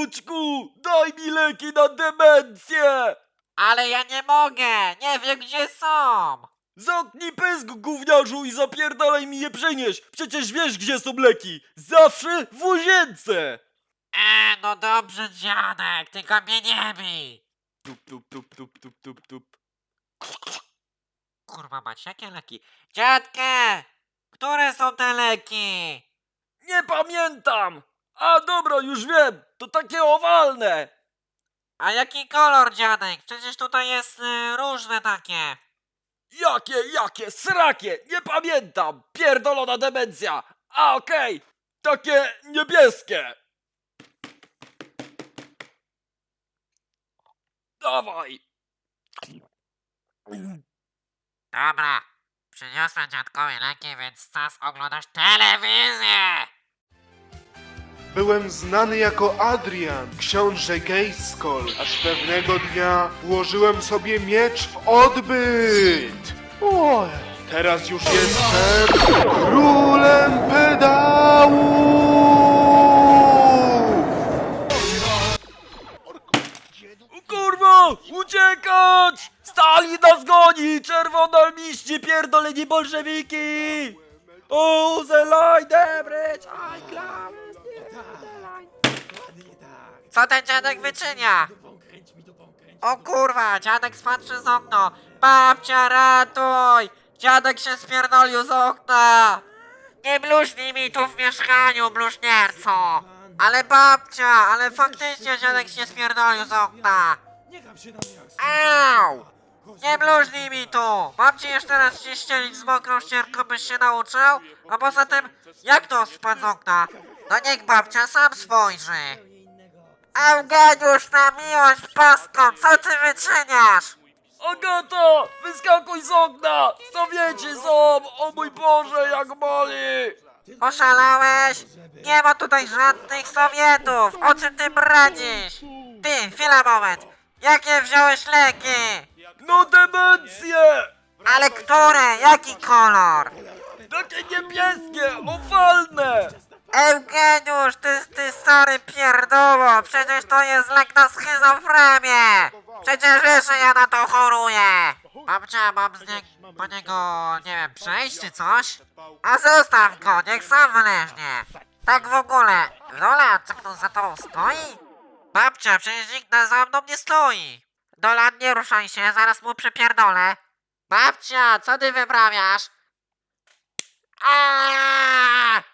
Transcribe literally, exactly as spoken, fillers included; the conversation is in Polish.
Wnuczku, daj mi leki na demencję! Ale ja nie mogę, nie wiem gdzie są. Zamknij pysk, gówniarzu, i zapierdalaj mi je przynieść! Przecież wiesz, gdzie są leki! Zawsze w łazience! E, no dobrze dziadek, tylko mnie nie bij. Tup, tup, tup, tup, tup, tup, tup. Kurwa mać, jakie leki? Dziadkę! Które są te leki? Nie pamiętam! A dobra, już wiem! To takie owalne! A jaki kolor dziadek? Przecież tutaj jest y, różne takie. Jakie, jakie, srakie! Nie pamiętam! Pierdolona demencja! A okej! Takie niebieskie! Dawaj! Dobra, przyniosłem dziadkowi leki, więc czas oglądać telewizję. Byłem znany jako Adrian, książę Gejskol, aż pewnego dnia włożyłem sobie miecz w odbyt. O, teraz już jestem królem pedału! Kurwa! Uciekać! Stalin nas goni! Czerwona liście, pierdoleni bolszewiki! O, the line, the bridge, I climb! Co ten dziadek wyczynia? O kurwa, dziadek spadł przez okno. Babcia, ratuj! Dziadek się spierdolił z okna. Nie bluźnij mi tu w mieszkaniu, bluźnierco. Ale babcia, ale faktycznie dziadek się spierdolił z okna. Au! Nie bluźnij mi tu! Mam ci jeszcze raz się ścielić z mokrą ścierką, byś się nauczył? A poza tym, jak to spadł z okna? No niech babcia sam spojrzy. Eugeniusz, na miłość boską, co ty wyczyniasz? Agata! Wyskakuj z okna! Sowieci są! O mój Boże, jak boli! Oszalałeś? Nie ma tutaj żadnych Sowietów! O czym ty bradzisz? Ty, chwila moment! Jakie wziąłeś leki? No demencje! Ale które? Jaki kolor? Takie niebieskie, owalne! Eugeniusz, ty, ty stary pierdoło! Przecież to jest lek na schizofrenię! Przecież wiesz, że ja na to choruję! Babcia, mam z nie, po niego, nie wiem, przejść czy coś? A zostaw go, niech sam wyleźnie! Tak w ogóle, Lola, co ktoś za tobą stoi? Babcia, przecież nikt na- za mną nie stoi! Dolan, nie ruszaj się, zaraz mu przypierdolę! Babcia, co ty wyprawiasz? Aaaa!